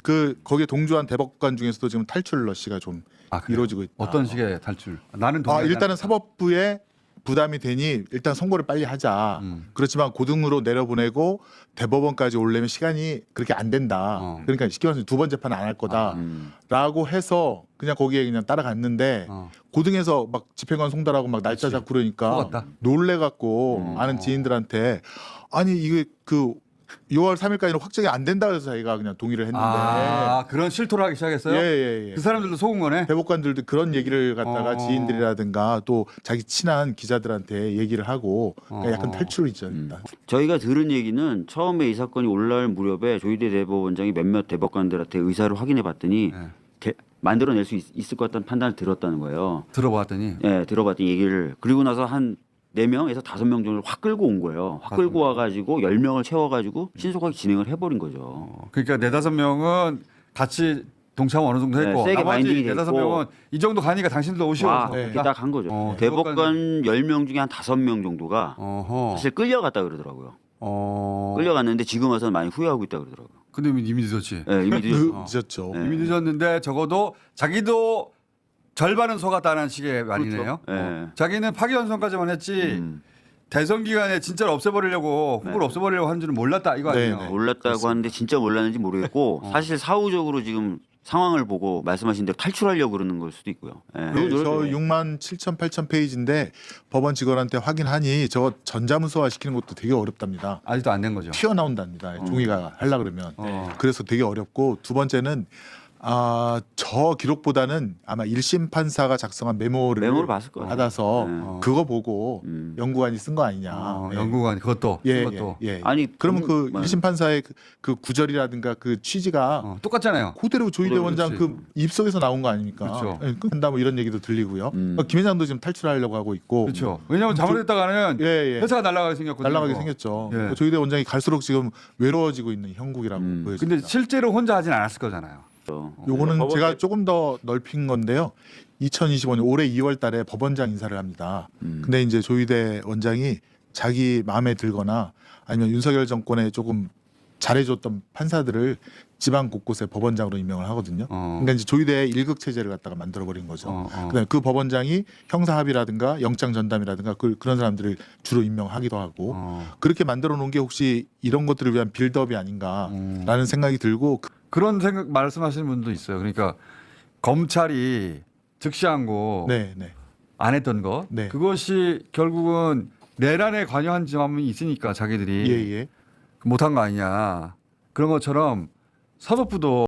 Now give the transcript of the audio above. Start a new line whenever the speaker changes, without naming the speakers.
그 거기에 동조한 대법관 중에서도 지금 탈출 러시가 좀
그래요?
이루어지고 있다.
어떤 식의 탈출? 나는
일단은 사법부에 부담이 되니 일단 선고를 빨리 하자. 그렇지만 고등으로 내려보내고 대법원까지 오려면 시간이 그렇게 안 된다. 그러니까 쉽게 말해서 두 번 재판은 안 할 거다라고 해서 그냥 거기에 그냥 따라갔는데 고등에서 막 집행관 송달하고 막 날짜 잡고 그러니까
속았다.
놀래갖고 아는 지인들한테 아니 이게 그 6월 3일까지는 확정이 안 된다 그래서 자기가 그냥 동의를 했는데
그런 실토를 하기 시작했어요?
예.
그 사람들도 속은 거네?
대법관들도 그런 얘기를 갖다가 지인들이라든가 또 자기 친한 기자들한테 얘기를 하고 그러니까 약간 탈출이죠. 일단.
저희가 들은 얘기는 처음에 이 사건이 올라올 무렵에 조희대 대법원장이 몇몇 대법관들한테 의사를 확인해 봤더니 만들어낼 수 있을 것 같다는 판단을 들었다는 거예요.
들어봤더니?
네, 들어봤더니 얘기를. 그리고 나서 한 4명에서 5명 정도를 확 끌고 온 거예요. 확 끌고 와가지고 10명을 채워가지고 신속하게 진행을 해버린 거죠.
그러니까 4-5명은 같이 동참 어느 정도 했고
세게
나머지
바인딩이 돼
4-5명은 이 정도 가니까 당신들도 오시오.
이렇게 딱 한 거죠. 대법관 10명 중에 한 5명 정도가 사실 끌려갔다 그러더라고요. 끌려갔는데 지금 와서는 많이 후회하고 있다 그러더라고요.
근데 이미 늦었지.
네, 이미
늦었죠.
이미 늦었는데 적어도 자기도 절반은 속았다는 식의 말이네요.
그렇죠.
자기는 파기환송까지만 했지 대선 기간에 진짜로 없애버리려고 후보를 없애버리려고 하는 줄은 몰랐다 이거 아니에요.
네.
몰랐다고 하는데 진짜 몰랐는지 모르겠고 사실 사후적으로 지금 상황을 보고 말씀하신 대로 탈출하려고 그러는 걸 수도 있고요.
네, 저 6만 7천 8천 페이지인데 법원 직원한테 확인하니 저 전자문서화 시키는 것도 되게 어렵답니다.
아직도 안 된 거죠.
튀어나온답니다. 종이가 하려 그러면. 그래서 되게 어렵고 두 번째는 저 기록보다는 아마 1심 판사가 작성한 메모를
봤을 거예요.
받아서 그거 보고 연구관이 쓴 거 아니냐. 네.
연구관 그것도.
예.
아니
그러면 그 1심 판사의 그 구절이라든가 그 취지가
똑같잖아요.
그대로 조희대 원장 그 입속에서 나온 거 아닙니까?
그렇죠.
예, 한다 뭐 이런 얘기도 들리고요. 김 회장도 지금 탈출하려고 하고 있고.
그렇죠. 왜냐하면 잘못했다가는 회사가 날아가게 생겼거든요.
날아가게 생겼죠.
예.
조희대 원장이 갈수록 지금 외로워지고 있는 형국이라고 보여집니다.
근데 실제로 혼자 하진 않았을 거잖아요.
요거는 제가 조금 더 넓힌 건데요. 2025년 올해 2월 달에 법원장 인사를 합니다. 근데 이제 조희대 원장이 자기 마음에 들거나 아니면 윤석열 정권에 조금 잘해줬던 판사들을 지방 곳곳에 법원장으로 임명을 하거든요. 그러니까 이제 조희대의 1급 체제를 갖다가 만들어버린 거죠. 그다음에 그 법원장이 형사합의라든가 영장 전담이라든가 그런 사람들을 주로 임명하기도 하고 그렇게 만들어 놓은 게 혹시 이런 것들을 위한 빌드업이 아닌가라는 생각이 들고
그런 생각 말씀하시는 분도 있어요. 그러니까 검찰이 즉시한 거 안 했던 것 그것이 결국은 내란에 관여한 점이 있으니까 자기들이 못한 거 아니냐 그런 것처럼 사법부도